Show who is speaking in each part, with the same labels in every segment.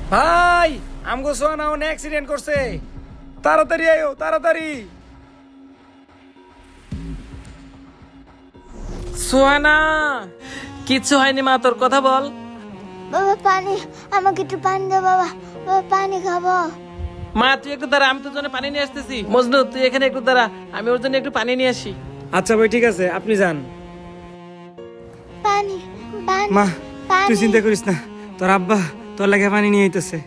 Speaker 1: ভাই আমগো সোহানা অনেক অ্যাক্সিডেন্ট করছে, তাড়াতাড়ি আয়ো তাড়াতাড়ি।
Speaker 2: সোহানা, কিচ্ছু হয়নি মা, তোর কথা বল।
Speaker 3: বাবা পানি, আমাকে একটু পানি দাও বাবা, বাবা পানি খাবো।
Speaker 2: মা তুই একটু দাঁড়া, আমি তোর জন্য পানি নিয়ে আসতেছি। মজনু তুই এখানে একটু দাঁড়া, আমি ওর জন্য একটু পানি নিয়ে আসি।
Speaker 1: আচ্ছা ভাই ঠিক আছে, আপনি যান।
Speaker 3: পানি পানি
Speaker 1: মা
Speaker 3: পানি।
Speaker 1: তুই চিন্তা করিস না, তোর আব্বা তোর লাগে পানি নিয়ে আইতেছে।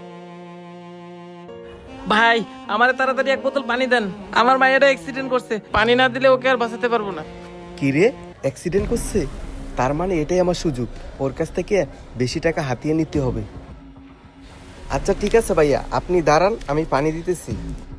Speaker 2: ভাই আমারে তাড়াতাড়ি এক বোতল পানি দেন, আমার মায়েরা অ্যাক্সিডেন্ট করছে, পানি না দিলে ওকে আর বাঁচাতে পারবো না।
Speaker 4: কি রে, অ্যাক্সিডেন্ট করছে? তার মানে এটাই আমার সুযোগ, ওর কাছ থেকে বেশি টাকা হাতিয়ে নিতে হবে। আচ্ছা ঠিক আছে ভাইয়া, আপনি দাঁড়ান, আমি পানি দিতেছি।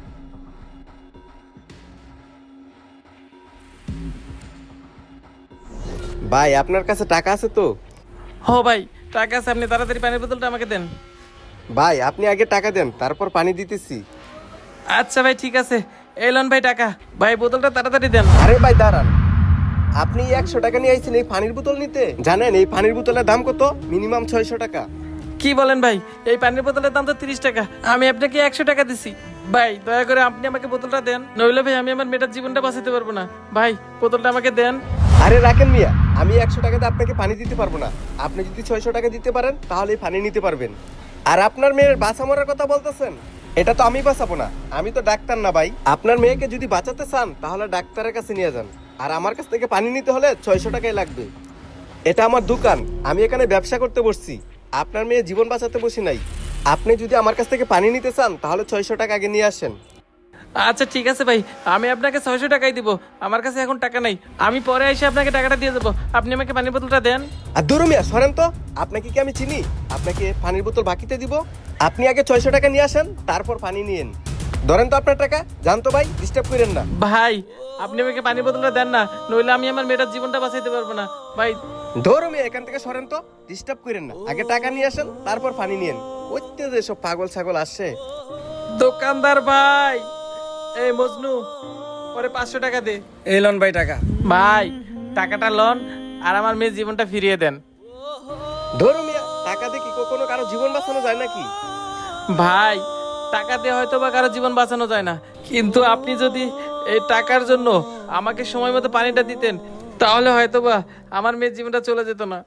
Speaker 4: ভাই আপনার কাছে টাকা আছে তো?
Speaker 2: হো ভাই টাকা আছে, আপনি তাড়াতাড়ি পানির বোতলটা আমাকে দেন।
Speaker 4: ভাই আপনি আগে টাকা দেন, তারপর পানি দিতেছি।
Speaker 2: আচ্ছা ভাই ঠিক আছে, এই লন ভাই টাকা, ভাই বোতলটা তাড়াতাড়ি দেন।
Speaker 4: আরে ভাই দাঁড়ান, আপনি 100 টাকা নিয়ে আইছেন এই পানির বোতল নিতে? জানেন এই পানির বোতলের দাম কত? মিনিমাম 600 টাকা।
Speaker 2: কি বলেন ভাই, এই পানির বোতলের দাম তো 30 টাকা, আমি আপনাকে 100 টাকা দিছি। ভাই দয়া করে আপনি আমাকে বোতলটা দেন, নইলে ভাই আমি আমার মেয়েটার জীবনটা বাঁচাতে পারবো না। ভাই বোতলটা আমাকে দেন।
Speaker 4: আরে রাখেন মিয়া, আমি 100 টাকাতে আপনাকে পানি দিতে পারবো না। আপনি যদি 600 টাকা দিতে পারেন তাহলে পানি নিতে পারবেন। আর আপনার মেয়ের বাঁচা মরার কথা বলতেছেন, এটা তো আমি বাঁচাবো না, আমি তো ডাক্তার না ভাই। আপনার মেয়েকে যদি বাঁচাতে চান তাহলে ডাক্তারের কাছে নিয়ে যান, আর আমার কাছ থেকে পানি নিতে হলে 600 টাকাই লাগবে। এটা আমার দোকান, আমি এখানে ব্যবসা করতে বসছি, আপনার মেয়ে জীবন বাঁচাতে বসি নাই। আপনি যদি আমার কাছ থেকে পানি নিতে চান তাহলে 600 টাকা আগে নিয়ে আসেন।
Speaker 2: আচ্ছা ঠিক আছে ভাই, আমি আপনাকে 600 টাকাই দিব, আমার কাছে এখন টাকা নাই, আমি পরে এসে আপনাকে টাকাটা দিয়ে দেবো, আপনি আমাকে পানির বোতলটা দেন।
Speaker 4: আর ধরো মিয়া সরেন তো, আপনাকে কি আমি চিনি আপনাকে পানির বোতল বাকিতে দিব? আপনি আগে 600 টাকা নিয়ে আসেন, তারপর পানি নিয়েন। ধরেন তো আপনার টাকা, জান তো ভাই, ডিস্টার্ব করেন না।
Speaker 2: ভাই আপনি আমাকে পানির বোতলটা দেন না, নইলে আমি আমার মেয়েটার জীবনটা বাঁচাইতে পারবো না ভাই।
Speaker 4: ধরো মিয়া এখান থেকে সরেন তো, ডিস্টার্ব করেন না। আগে টাকা নিয়ে আসেন, তারপর পানি নিয়েন। ওইতে যে সব পাগল ছাগল আসছে।
Speaker 2: দোকানদার ভাই, এই মজনু পরে 500 টাকা দে।
Speaker 1: এই লন ভাই টাকা।
Speaker 2: ভাই টাকাটা লন, আর আমার মেয়ের জীবনটা ফিরিয়ে দেন।
Speaker 4: ধরো মিয়া, টাকা দিয়ে কি কখনো কারো জীবন বাঁচানো যায় নাকি?
Speaker 2: ভাই টাকা দিয়ে হয়তো বা কারো জীবন বাঁচানো যায় না, কিন্তু আপনি যদি এই টাকার জন্য আমাকে সময় মতো পানিটা দিতেন, তাহলে হয়তো বা আমার মেয়ের জীবনটা চলে যেত না।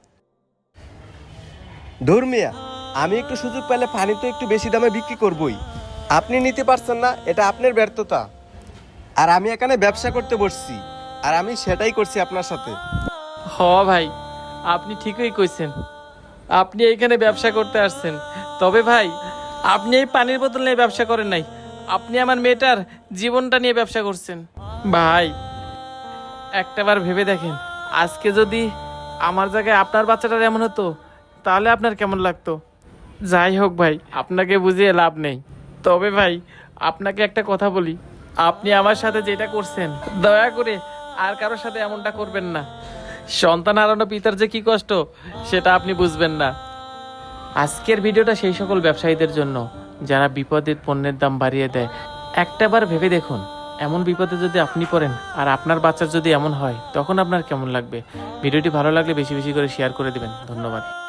Speaker 4: ধর মিয়া, আমি একটু সুযোগ পেলে পানি তো একটু বেশি দামে বিক্রি করবই। আপনি নিতে পারছেন না, এটা আপনার ব্যর্থতা। আর আমি এখানে ব্যবসা করতে বসছি, আর আমি সেটাই করছি আপনার সাথে।
Speaker 2: হ ভাই, আপনি ঠিকই কইছেন, আপনি এইখানে ব্যবসা করতে আসছেন, তবে ভাই আপনি এই পানির বোতল নিয়ে ব্যবসা করেন নাই, আপনি আমার মেয়েটার জীবনটা নিয়ে ব্যবসা করছেন। ভাই একটাবার ভেবে দেখেন, আজকে যদি আমার জায়গায় আপনার বাচ্চাটার এমন হতো, তাহলে আপনার কেমন লাগতো? যাই হোক ভাই, আপনাকে বুঝিয়ে লাভ নেই, তবে ভাই আপনাকে একটা কথা বলি, আপনি আমার সাথে যেটা করছেন, দয়া করে আর কারোর সাথে এমনটা করবেন না। সন্তান হারানো পিতার যে কি কষ্ট, সেটা আপনি বুঝবেন না। আজকের ভিডিওটা সেই সকল ব্যবসায়ীদের জন্য যারা বিপদে পণ্যের দাম বাড়িয়ে দেয়। একটাবার ভেবে দেখুন, এমন বিপদে যদি আপনি পড়েন আর আপনার বাচ্চার যদি এমন হয়, তখন আপনার কেমন লাগবে? ভিডিওটি ভালো লাগলে বেশি বেশি করে শেয়ার করে দিবেন। ধন্যবাদ।